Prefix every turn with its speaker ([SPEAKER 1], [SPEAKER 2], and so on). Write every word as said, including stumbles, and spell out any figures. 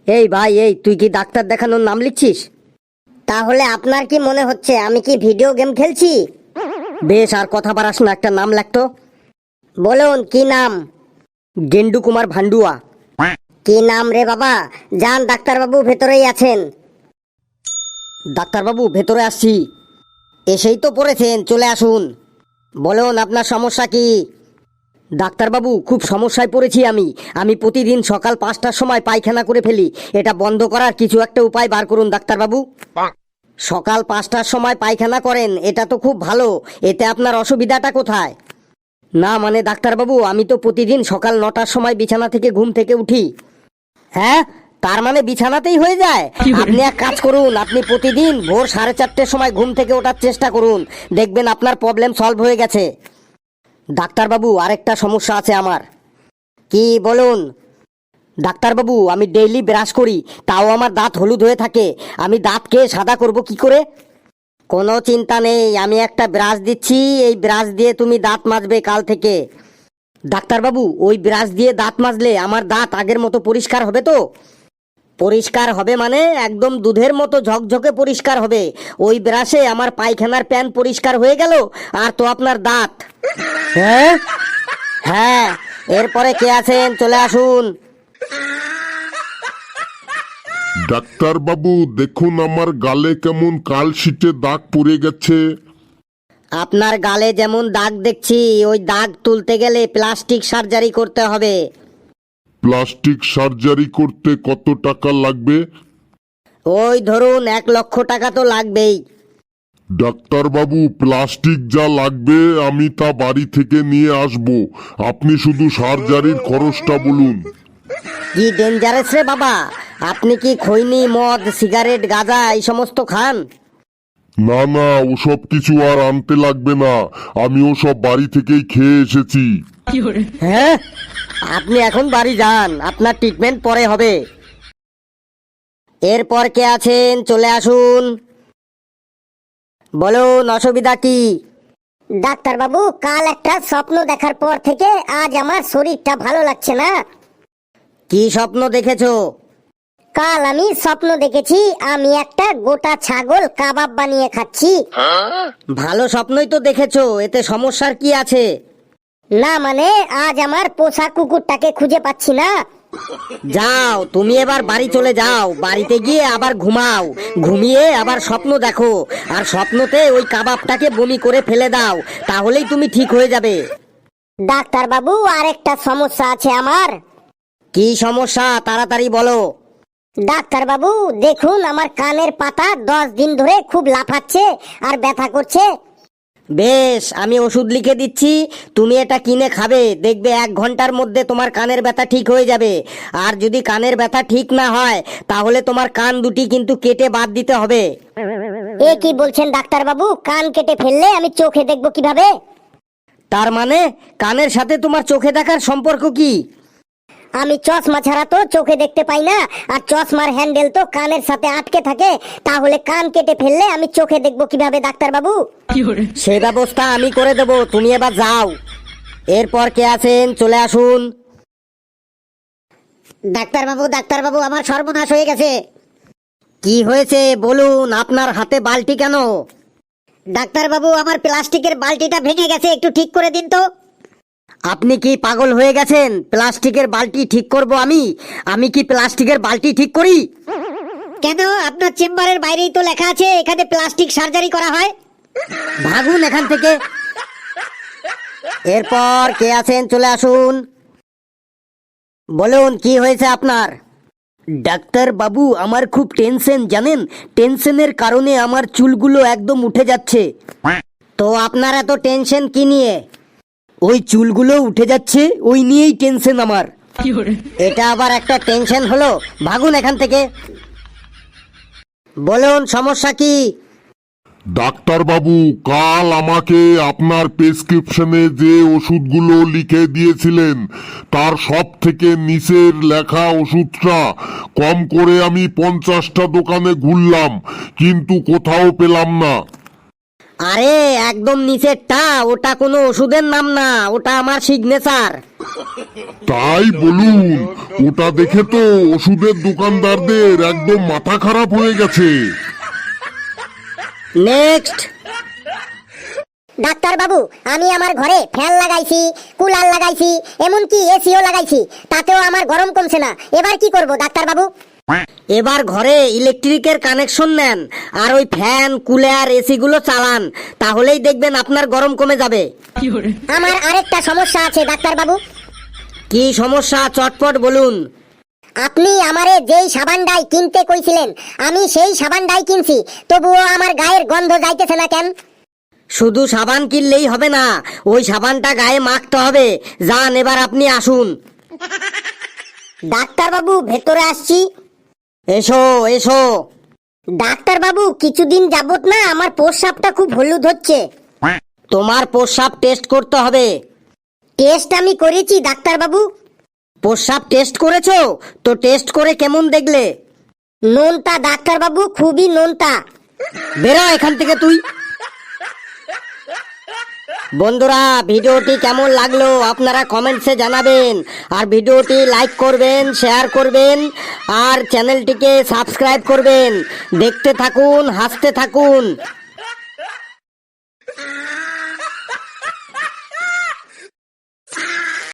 [SPEAKER 1] এই ভাই, এই তুই কি ডাক্তার দেখানোর নাম লিখছিস?
[SPEAKER 2] তাহলে আপনার কি মনে হচ্ছে আমি কি ভিডিও গেম খেলছি?
[SPEAKER 1] বেশ, আর কথা বাড়াস না, একটা নাম লেখতো।
[SPEAKER 2] বলুন কি নাম?
[SPEAKER 1] গেন্ডু কুমার ভান্ডুয়া।
[SPEAKER 2] কি নাম রে বাবা? যান, ডাক্তারবাবু ভেতরেই আছেন।
[SPEAKER 1] ডাক্তারবাবু ভেতরে আসছি। এসেই তো পড়েছেন, চলে আসুন। বলুন আপনার সমস্যা কি? ডাক্তারবাবু, খুব সমস্যায় পড়েছি আমি আমি প্রতিদিন সকাল পাঁচটার সময় পায়খানা করে ফেলি। এটা বন্ধ করার কিছু একটা উপায় বার করুন ডাক্তারবাবু। সকাল পাঁচটার সময় পায়খানা করেন, এটা তো খুব ভালো। এতে আপনার অসুবিধাটা কোথায়? না মানে ডাক্তারবাবু, আমি তো প্রতিদিন সকাল নটার সময় বিছানা থেকে ঘুম থেকে উঠি। হ্যাঁ, তার মানে বিছানাতেই হয়ে যায়? আপনি এক কাজ করুন, আপনি প্রতিদিন ভোর সাড়ে চারটের সময় ঘুম থেকে ওঠার চেষ্টা করুন, দেখবেন আপনার প্রবলেম সলভ হয়ে গেছে। ডাক্তারবাবু, আরেকটা সমস্যা আছে আমার। কি বলুন? ডাক্তারবাবু, আমি ডেইলি ব্রাশ করি, তাও আমার দাঁত হলুদ হয়ে থাকে। আমি দাঁতকে সাদা করব কি করে? কোনো চিন্তা নেই, আমি একটা ব্রাশ দিচ্ছি, এই ব্রাশ দিয়ে তুমি দাঁত মাজবে কাল থেকে। ডাক্তারবাবু, ওই ব্রাশ দিয়ে দাঁত মাজলে আমার দাঁত আগের মতো পরিষ্কার হবে তো? পরিষ্কার হবে মানে একদম দুধের মতো ঝকঝকে পরিষ্কার হবে। ওই ব্রাশে আমার পায়খানার প্যান পরিষ্কার হয়ে গেল, আর তো আপনার দাঁত। হ্যাঁ হ্যাঁ, এরপরে কে আছেন, চলে আসুন।
[SPEAKER 3] ডাক্তার বাবু দেখুন, আমার গালে কেমন কালশিটে দাগ পড়ে গেছে।
[SPEAKER 1] আপনার গালে যেমন দাগ দেখছি, ওই দাগ তুলতে গেলে প্লাস্টিক সার্জারি করতে হবে।
[SPEAKER 3] প্লাস্টিক সার্জারি করতে কত টাকা লাগবে?
[SPEAKER 1] ওই ধরুন এক লক্ষ টাকা তো লাগবেই।
[SPEAKER 3] ডাক্তার বাবু, প্লাস্টিক যা লাগবে আমি তা বাড়ি থেকে নিয়ে আসব, আপনি শুধু সার্জারির খরচটা বলুন।
[SPEAKER 1] কি ডেঞ্জারাস রে বাবা, আপনি কি খৈনি, মদ, সিগারেট, গাঁজা এই সমস্ত খান?
[SPEAKER 3] না না, ওসব কিছু আর আনতে লাগবে না, আমি ওসব বাড়ি থেকেই খেয়ে এসেছি।
[SPEAKER 1] হ্যাঁ, আপনি এখন বাড়ি যান, আপনার ট্রিটমেন্ট পরে হবে। এরপর কে আছেন, চলে আসুন। বলুন অসুবিধা কি?
[SPEAKER 2] ডাক্তারবাবু, কাল একটা স্বপ্ন দেখার পর থেকে আজ আমার শরীরটা ভালো লাগছে না।
[SPEAKER 1] কি স্বপ্ন দেখেছো?
[SPEAKER 2] কাল আমি স্বপ্ন দেখেছি আমি একটা গোটা ছাগল কাবাব বানিয়ে খাচ্ছি।
[SPEAKER 1] ভালো স্বপ্নই তো দেখেছো, এতে সমস্যার কি আছে?
[SPEAKER 2] না মানে আজ আমার পোষা কুকুরটাকে খুঁজে পাচ্ছি না।
[SPEAKER 1] যাও, তুমি এবার বাড়ি চলে যাও, বাড়িতে গিয়ে আবার ঘুমাও, ঘুমিয়ে আবার স্বপ্ন দেখো, আর স্বপ্নতে ওই কাবাবটাকে বমি করে ফেলে দাও, তাহলেই তুমি ঠিক হয়ে যাবে।
[SPEAKER 2] ডাক্তারবাবু, আরেকটা সমস্যা আছে আমার।
[SPEAKER 1] কি সমস্যা, তাড়াতাড়ি বলো।
[SPEAKER 2] ডাক্তারবাবু দেখুন, আমার কানের পাতা দশ দিন ধরে খুব লাফাচ্ছে আর ব্যথা করছে।
[SPEAKER 1] বেশ, আমি ওষুধ লিখে দিচ্ছি, তুমি এটা কিনে খাবে, দেখবে এক ঘন্টার মধ্যে তোমার কানের ব্যথা ঠিক হয়ে যাবে। আর যদি কানের ব্যথা ঠিক না হয়, তাহলে তোমার কান দুটি কিন্তু কেটে বাদ দিতে হবে।
[SPEAKER 2] এ কি বলছেন ডাক্তারবাবু? কান কেটে ফেললে আমি চোখে দেখবো কিভাবে?
[SPEAKER 1] তার মানে কানের সাথে তোমার চোখে দেখার সম্পর্ক কি?
[SPEAKER 2] আমি চশমা ছাড়া তো চোখে দেখতে পাই না, আর চশমার হ্যান্ডেল তো কানের সাথে আটকে থাকে, তাহলে কান কেটে ফেললে আমি চোখে দেখবো কিভাবে ডাক্তারবাবু?
[SPEAKER 1] সে ব্যবস্থা আমি করে দেবো, তুমি এবার যাও। এরপর কে আছেন, চলে আসুন।
[SPEAKER 2] ডাক্তারবাবু ডাক্তারবাবু আমার সর্বনাশ হয়ে গেছে।
[SPEAKER 1] কি হয়েছে বলুন, আপনার হাতে বালতি কেন?
[SPEAKER 2] ডাক্তারবাবু, আমার প্লাস্টিকের বালতিটা ভেঙে গেছে, একটু ঠিক করে দিন তো।
[SPEAKER 1] আপনি কি পাগল হয়ে গেছেন? প্লাস্টিকের বালতি ঠিক করব আমি? আমি কি প্লাস্টিকের বালতি ঠিক করি?
[SPEAKER 2] কেন, আপনার চেম্বারের বাইরেই তো লেখা আছে এখানে প্লাস্টিক সার্জারি করা হয়।
[SPEAKER 1] ভাগুন এখান থেকে। এরপর কে আছেন, চলে আসুন। বলুন কি হয়েছে আপনার? ডাক্তার বাবু, আমার খুব টেনশন জানেন, টেনশনের কারণে আমার চুলগুলো একদম উঠে যাচ্ছে। তো আপনার এত টেনশন কি নিয়ে? ওই চুলগুলো উঠে যাচ্ছে, ওই নিয়েই টেনশন আমার। এটা আবার একটা টেনশন হলো? ভাগুন এখান থেকে। বলুন সমস্যা কি?
[SPEAKER 3] ডাক্তার বাবু, কাল আমাকে আপনার প্রেসক্রিপশনে যে ওষুধগুলো লিখে দিয়েছিলেন তার সব থেকে নিচের লেখা ওষুধটা কম করে আমি পঞ্চাশটা দোকানে ঘুরলাম, কিন্তু কোথাও পেলাম না।
[SPEAKER 1] আরে একদম নিচেরটা, ওটা কোনো ওষুধের নাম না, ওটা আমার সিগনেচার।
[SPEAKER 3] তাই বলুন, ওটা দেখে তো ওষুধের দোকানদারদের একদম মাথা খারাপ হয়ে গেছে।
[SPEAKER 1] নেক্সট।
[SPEAKER 2] ডাক্তার বাবু, আমি আমার ঘরে ফ্যান লাগাইছি, কুলার লাগাইছি, এমনকি এসিও লাগাইছি, তাতেও আমার গরম কমছে না। এবার কি করব ডাক্তার বাবু?
[SPEAKER 1] এবার ঘরে ইলেকট্রিকের কানেকশন নেন আর ওই ফ্যান কুলার এসি গুলো চালান, তাহলেই দেখবেন আপনার গরম কমে যাবে।
[SPEAKER 2] আমার আরেকটা সমস্যা আছে ডাক্তার বাবু।
[SPEAKER 1] কি সমস্যা চটপট বলুন।
[SPEAKER 2] আপনি আমারে যেই সাবানটাই কিনতে কইছিলেন, আমি সেই সাবানটাই কিনছি, তবুও আমার গায়ের গন্ধ যাইতেছে না কেন?
[SPEAKER 1] শুধু সাবান কিনলেই হবে না, ওই সাবানটা গায়ে মাখতে হবে। যান, এবার আপনি আসুন।
[SPEAKER 2] ডাক্তার বাবু, ভেতরে আসছি।
[SPEAKER 1] এসো এসো।
[SPEAKER 2] ডাক্তার বাবু, কিছুদিন যাবত না আমার প্রস্রাবটা খুব হলুদ হচ্ছে।
[SPEAKER 1] তোমার প্রস্রাব টেস্ট করতে হবে।
[SPEAKER 2] টেস্ট আমি করেছি ডাক্তার বাবু।
[SPEAKER 1] প্রস্রাব টেস্ট করেছো? তো টেস্ট করে কেমন দেখলে?
[SPEAKER 2] নোনতা ডাক্তার বাবু, খুবই নোনতা।
[SPEAKER 1] বেরো এখান থেকে তুই। বন্ধুরা, ভিডিওটি কেমন লাগলো আপনারা কমেন্টসে জানাবেন, আর ভিডিওটি লাইক করবেন, শেয়ার করবেন, আর চ্যানেলটিকে সাবস্ক্রাইব করবেন। দেখতে থাকুন, হাসতে থাকুন।